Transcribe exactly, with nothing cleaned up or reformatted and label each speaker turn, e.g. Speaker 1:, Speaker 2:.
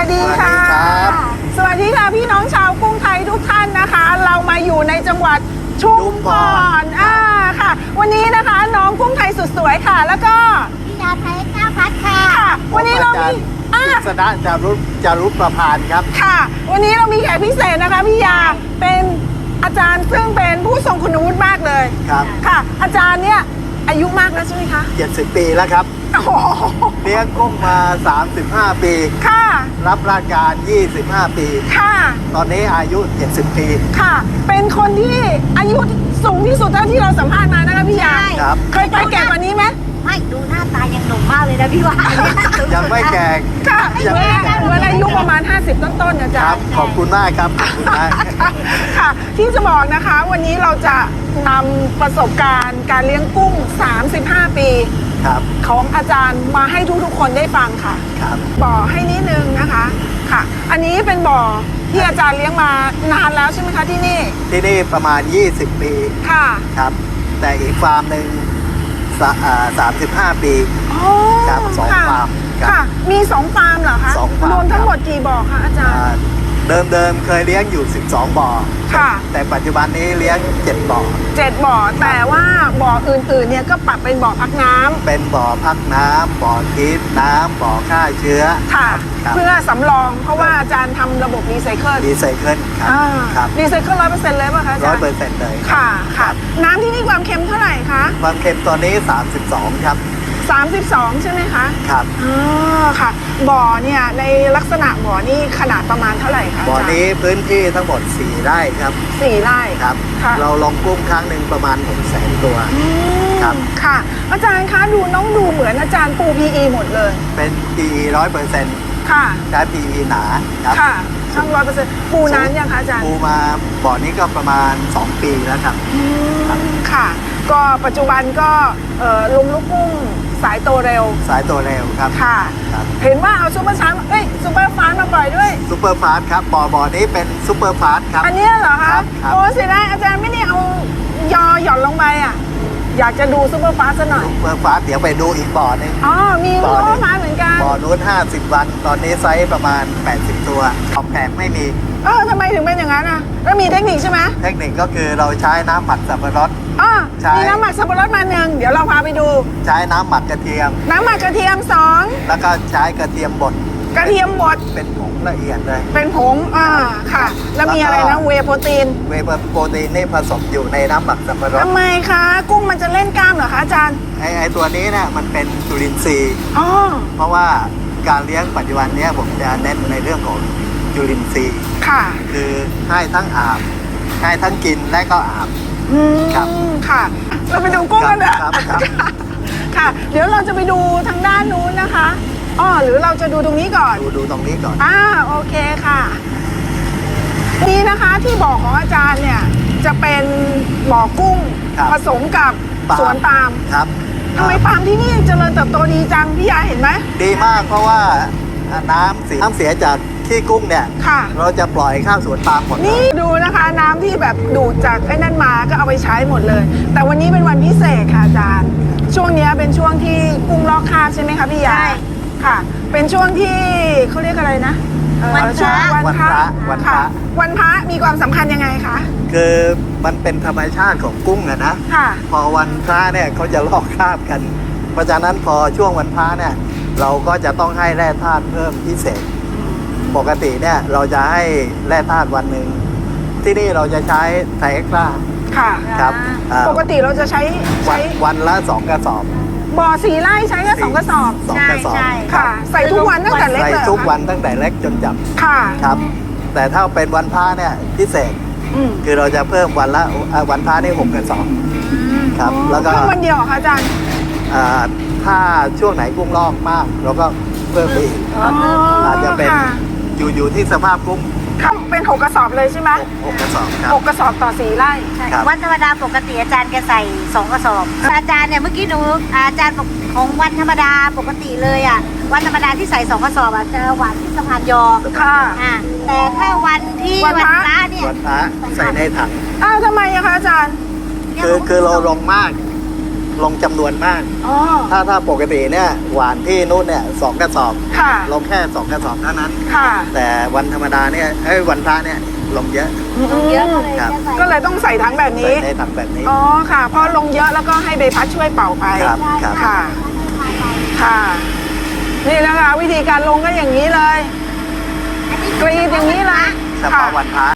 Speaker 1: วัสดีค่ะสวัสดีค่ะพี่น้องชาวกรุงไทยทุกท่านนะคะ เรามาอยู่ในจังหวัดชุมพรอ่าค่ะวันนี้นะคะน้องกุ้งไทยสุดสวยค่ะแล้วก็
Speaker 2: พี่ยาไทยก้าวพัดค่ะ
Speaker 1: วันนี้เรามี
Speaker 3: สนะจารุจารุประพานครับ
Speaker 1: ค่ะวันนี้เรามีแขกพิเศษนะคะพี่ยาเป็นอาจารย์ซึ่งเป็นผู้ทรงคุณวุฒิมากเลย
Speaker 3: ครับ
Speaker 1: ค่ะอาจารย์เนี่ยอายุมากแล้วใช่ไหมคะ
Speaker 3: เจ็ดสิบปีแล้วครับเลี้ยงกุ้งมาสามสิบห้าปี
Speaker 1: ค่ะ
Speaker 3: รับราชการยี่สิบห้าปี
Speaker 1: ค่ะ
Speaker 3: ตอนนี้อายุเจ็ดสิบปี
Speaker 1: ค่ะเป็นคนที่อายุสูงที่สุดเท่าที่เราสัมภาษณ์มานะคะพี่ยา
Speaker 3: ครับ
Speaker 1: เคยไปแก่กว่านี้ไหม
Speaker 2: ไม่ดูหน้าตายังหนุ่มมากเลยนะพี่ว่า
Speaker 3: ยังไม่แก่
Speaker 1: ค่ะเหมือนอายุประมาณห้าสิบต้นๆนะจ๊ะ
Speaker 3: ขอบคุณมากครับขอบคุณมาก
Speaker 1: ค่ะที่จะบอกนะคะวันนี้เราจะนำประสบการณ์การเลี้ยงกุ้งสามสิบห้าปีของอาจารย์มาให้ทุกๆคนได้ฟังค่ะ
Speaker 3: ครับ
Speaker 1: บ่อให้นิดนึงนะคะค่ะอันนี้เป็นบ่อที่อาจารย์เลี้ยงมานานแล้วใช่ไหมคะที่นี่
Speaker 3: ที่นี่ประมาณยี่สิบปี
Speaker 1: ค่ะ
Speaker 3: ครับแต่อีกฟาร์มหนึ่งสามสิบห้าปีครับสองฟาร์ม
Speaker 1: ค่ะมีสองฟาร์มเหรอคะรวมทั้งหมดกี่บ่อคะอาจารย์
Speaker 3: เดิมเดิมเคยเลี้ยงอยู่สิบสองบ่อ
Speaker 1: ค่ะ
Speaker 3: แต่ปัจจุบันนี้เลี้ยงเจ็ดบ่อ
Speaker 1: เจ็ดบ่อแต่ว่าบ่ออื่นๆเนี่ยก็ปรับเป็นบ่อพักน้ำ
Speaker 3: เป็นบ่อพักน้ำบ่อทิพน้ำบ่อฆ่าเชื้อ
Speaker 1: ค่ะเพื่อสำรองเพราะว่าอาจารย์ทำระบบรีไซเคิล
Speaker 3: รีไซเคิล
Speaker 1: ครับรีไซเคิลร้อยเปอร์เซ็นต์เลยป่ะคะอาจารย์
Speaker 3: ร้อยเปอร์เซ็นต์เลย
Speaker 1: ค่ะค่ะน้ำที่นี่ความเค็มเท่าไหร่คะ
Speaker 3: ความเค็มตอนนี้สามสิบสองครับ
Speaker 1: สามสิบสองใช่ไหมคะ
Speaker 3: ครับ
Speaker 1: อ๋อค่ะบ่อเนี่ยในลักษณะบ่อนี่ขนาดประมาณเท่าไหร่คะ
Speaker 3: บ่อนี้พื้นที่ทั้งหมดสี่ไร่ครับ
Speaker 1: สี่ไร่
Speaker 3: ครับเราลงกุ้งครั้งหนึ่งประมาณหกแสนตัว
Speaker 1: ครับค่ะอาจารย์คะดูน้องดูเหมือนอาจารย์ปู พี อี หมดเลย
Speaker 3: เป็น พี อี ร้อยเปอร์เซ็นต์
Speaker 1: ค่ะ
Speaker 3: ใช้ พี อี หนาครับ
Speaker 1: ค่ะทั้งร้อยเปอร์เซ็นต์ปูนานยังคะอาจารย์
Speaker 3: ปูมาบ่อนี้ก็ประมาณสองปีแล้วครับ
Speaker 1: ค่ะก็ปัจจุบันก็ลงลูกกุ้งสายโตเร็ว
Speaker 3: สายโตเร็วครับ
Speaker 1: ค่ะเห็นว่าเอาซุปเปอร์ชาร์เอ้ยซุปเปอร์ฟาสมาปล่อยด้วย
Speaker 3: ซุปเปอร์ฟาสครับบ่อบ่อนี้เป็นซุปเปอร์ฟาสครับ
Speaker 1: อันนี้เหรอคะโอ้เสียดายอาจารย์ไม่ได้เอายอหย่อนลงไปอ่ะอยากจะดูซุปเปอร์ฟาสซะหน่อย
Speaker 3: ซุปเปอร์ฟาสเดี๋ยวไปดูอีกบ่อนึง
Speaker 1: อ๋อมีซุปเปอร์ฟาสเหมือนกัน
Speaker 3: บ่อนู้นห้าสิบวันตอนนี้ไซส์ประมาณแปดสิบตัวขอบแผงไม่มี
Speaker 1: เออทำไมถึงเป็นอย่างนั้นอ่ะแล้วมีเทคนิคใช่ไหม
Speaker 3: เทคนิคก็คือเราใช้น้ำหมักสับปะรด
Speaker 1: อ๋อมีน้ำหมักสับปะรดมาหนึ่งเดี๋ยวเราพาไปดู
Speaker 3: ใช้น้ำหมักกระเทียม
Speaker 1: น้ำหมักกระเทียมสอง
Speaker 3: แล้วก็ใช้กระเทียมบด
Speaker 1: กระเทียมบด
Speaker 3: เป็นผงละเอียดเลย
Speaker 1: เป็นผงอ่าค่ะแล้วมีอะไรนะเวย์โปรตีน
Speaker 3: เวย์โปรตีนนี่ผสมอยู่ในน้ำหมักสับปะรด
Speaker 1: ทำไมคะกุ้งมันจะเล่นกล้ามเหรอคะอาจารย์
Speaker 3: ไอไอตัวนี้เนี่ยมันเป็นจุลินทรีย์
Speaker 1: อ๋อ
Speaker 3: เพราะว่าการเลี้ยงปัจจุบันนี้ผมจะเน้นในเรื่องของจุลินทรีย์
Speaker 1: ค่ะ
Speaker 3: คือให้ทั้งอาบให้ทั้งกินและก็อาบ
Speaker 1: ครับค่ะเราไปดูกุ้งกันเถอะค่ะเดี๋ยวเราจะไปดูทางด้านนู้นนะคะอ๋อหรือเราจะดูตรงนี้ก่อน
Speaker 3: ดูดูตรงนี้ก่อน
Speaker 1: อ่าโอเคค่ะนี่นะคะที่บ่อของอาจารย์เนี่ยจะเป็นบ่อกุ้งผสมกับสวนปาล์ม
Speaker 3: ครับ
Speaker 1: ทำไมปาล์มที่นี่เจริญเติบโตดีจังพี่ยาเห็นไหม
Speaker 3: ดีมากเพราะว่าน้ำเสียน้ำเสียจากขี้กุ้งเนี่ยเราจะปล่อยข้าวสวนปาล์มหมด
Speaker 1: นี่ดูนะคะน้ำที่แบบดูดจากไอ้นั่นมาก็เอาไปใช้หมดเลยแต่วันนี้เป็นวันพิเศษค่ะอาจารย์ช่วงนี้เป็นช่วงที่กุ้งลอกคราบใช่ไหมคะพี่ยาค่ะเป็นช่วงที่เขาเรียกอะไรนะ
Speaker 2: วันพระ
Speaker 3: วันพระวันพระ
Speaker 1: วันพระมีความสำคัญยังไงคะ
Speaker 3: คือมันเป็นธรรมชาติของกุ้งอะนะพอวันพระเนี่ยเขาจะลอกคราบกันเพราะฉะนั้นพอช่วงวันพระเนี่ยเราก็จะต้องให้แร่ธาตุเพิ่มพิเศษปกติเนี่ยเราจะให้แร่ธาตุวันหนึ่งที่นี่เราจะใช้ไทเอ็กซ์ตร้า
Speaker 1: ค่ะ
Speaker 3: ครับ
Speaker 1: ปกติเราจะใช้ใช้
Speaker 3: วันละสองกระสอบ
Speaker 1: บ่อสี่ไร่ใช้แค่สองกระสอบ
Speaker 3: สองกระสอบ
Speaker 1: ค่ะใส่ทุกวันตั้งแต่เล็ก
Speaker 3: ใส่ทุกวันตั้งแต่เล็กจนจับ
Speaker 1: ค่ะ
Speaker 3: ครับแต่ถ้าเป็นวันพระเนี่ยพิเศษคือเราจะเพิ่มวันละวันพระนี่หกกระสอบครับแล้วก็
Speaker 1: เพิ่มวันเดียวค่ะอาจารย์
Speaker 3: ถ้าช่วงไหนกุ้งลอกมากเราก็เพิ่มไปอีกอาจจะเป็นอยู่อยู่ที่สภาพกุ้ง
Speaker 1: ครับเป็นหกกระสอบเลยใช่ไหม
Speaker 3: หกกระสอบครับ
Speaker 1: หกกระสอบต่อสี่ไร่
Speaker 2: วันธรรมดาปกติอาจารย์แกใส่สองกระสอบอาจารย์เนี่ยเมื่อกี้หนูอาจารย์ของวันธรรมดาปกติเลยอ่ะวันธรรมดาที่ใส่สองกระสอบอ่ะจะหวานที่สะพานยอ
Speaker 1: ค่ะ
Speaker 2: แต่ถ้าวันที่วันพระเนี่ย
Speaker 3: วันพระใส่ในถัง
Speaker 1: อ้าวทำไมอะคะอาจารย์
Speaker 3: คือคือเราลงมากลงจำนวนมาก
Speaker 1: อ๋อ
Speaker 3: ถ้าถ้าปกติเนี่ยหวานที่นู่นเนี่ยสองกระสอบ
Speaker 1: ค่ะ
Speaker 3: ลงแค่สองกระสอบเท่านั้น
Speaker 1: ค่ะ
Speaker 3: แต่วันธรรมดาเนี่ยเอ้ยวันพระเนี่ยลงเยอะ
Speaker 2: ลงเยอะเลย
Speaker 3: ครับ
Speaker 2: จะใส่
Speaker 1: ก็เลยต้องใส่ทั้งแบบ
Speaker 3: ใส่
Speaker 1: นี้
Speaker 3: ในถังแบบนี้
Speaker 1: อ๋อค่ะ เพราะลงเยอะแล้วก็ให้ใบพัดช่วยเป่าไป
Speaker 3: ครับครับ
Speaker 1: ค่ะ ค่ะ นี่นะคะ วิธีการลงก็อย่างนี้เลย
Speaker 2: อันนี้
Speaker 1: กรีดอย่างนี้เลย
Speaker 3: เฉพาะวันพระ